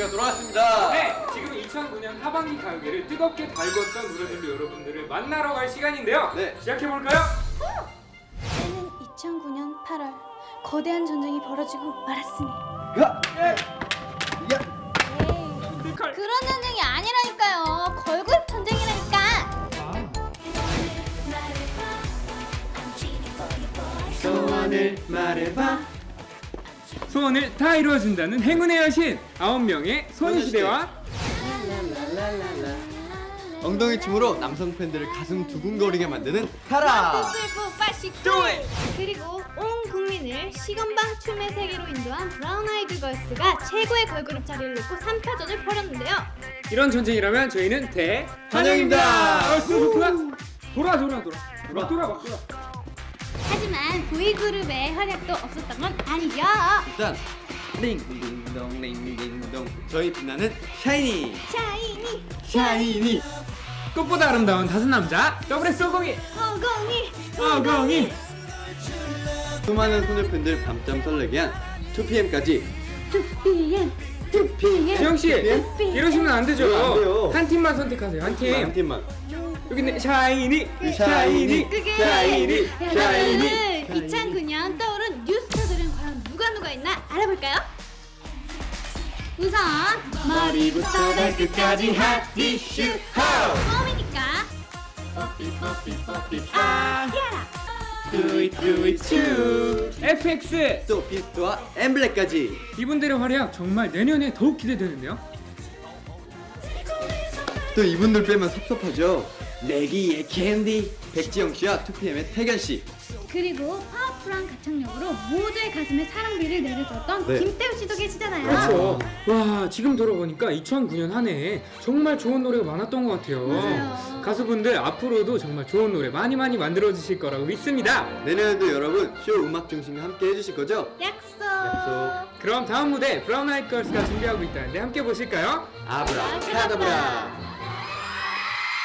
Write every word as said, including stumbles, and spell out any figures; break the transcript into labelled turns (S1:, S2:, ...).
S1: 저희가 돌아왔습니다.
S2: 네, 지금 이천구 년 하반기 가요계를 뜨겁게 달궜던 노래들로 여러분들을 만나러 갈 시간인데요.
S1: 네.
S2: 시작해볼까요?
S3: 때는 이천구 년 팔월 거대한 전쟁이 벌어지고 말았으니
S1: 야! 야!
S3: 에이, 그런 전쟁이 아니라니까요. 걸그룹 전쟁이라니까.
S1: 소원을 말해봐.
S2: 소원을 다 이루어준다는 행운의 여신 아홉 명의 소녀시대와
S1: 엉덩이 춤으로 남성 팬들을 가슴 두근거리게 만드는 카라.
S3: 슬프 빠시 그리고 온 국민을 시건방 춤의 세계로 인도한 브라운 아이드 걸스가 최고의 걸그룹 자리를 놓고 삼 파전을 벌였는데요.
S2: 이런 전쟁이라면 저희는
S1: 환영입니다.
S2: 어, 슬프가 돌아 돌아 돌아 돌아 돌아 막 돌아.
S3: 하지만 보이그룹의 활약도 없었던 건 아니죠.
S1: 일단 링딩동 링딩동 저희 빛나는 샤이니.
S3: 샤이니
S1: 샤이니.
S2: 꽃보다 아름다운 다섯 남자 더블에스 오공이
S3: 허공이
S2: 오공이
S1: 수많은 소녀 팬들 밤잠 설레게 한 투 피엠까지.
S3: 투 피엠 투 피엠
S2: 지영씨 이러시면 안 되죠.
S1: 이러면 안 돼요.
S2: 한 팀만 선택하세요. 한 팀.
S1: 한 팀만.
S2: 여기 있네 샤이니
S1: 샤이니.
S3: 그게
S1: 샤이니.
S3: 샤이니. 이천구 년 떠오른 뉴스타들은 과연 누가 누가 있나 알아볼까요? 우선 머리부터 발끝까지 핫 이슈 처음이니까 아 티아라
S2: Do it do it too 에프엑스
S1: 또 비스트와 엠블랙까지.
S2: 이분들의 활약 정말 내년에 더욱 기대되는데요.
S1: 또 이분들 빼면 섭섭하죠. 내기의 캔디 백지영 씨와 투 피엠의 태견 씨.
S3: 그리고 파워풀한 가창력으로 모두의 가슴에 사랑비를 내려줬던
S1: 네.
S3: 김태우 씨도 계시잖아요.
S2: 그렇죠. 와 지금 들어보니까 이천구 년 한 해에 정말 좋은 노래가 많았던 것 같아요.
S3: 맞아요.
S2: 가수분들 앞으로도 정말 좋은 노래 많이 많이 만들어 주실 거라고 믿습니다.
S1: 내년에도 여러분 쇼 음악 중심과 함께 해주실 거죠?
S3: 약속.
S1: 약속.
S2: 그럼 다음 무대 브라운 아이드 걸스가 준비하고 있다는데 함께 보실까요?
S1: 아브라카다브라.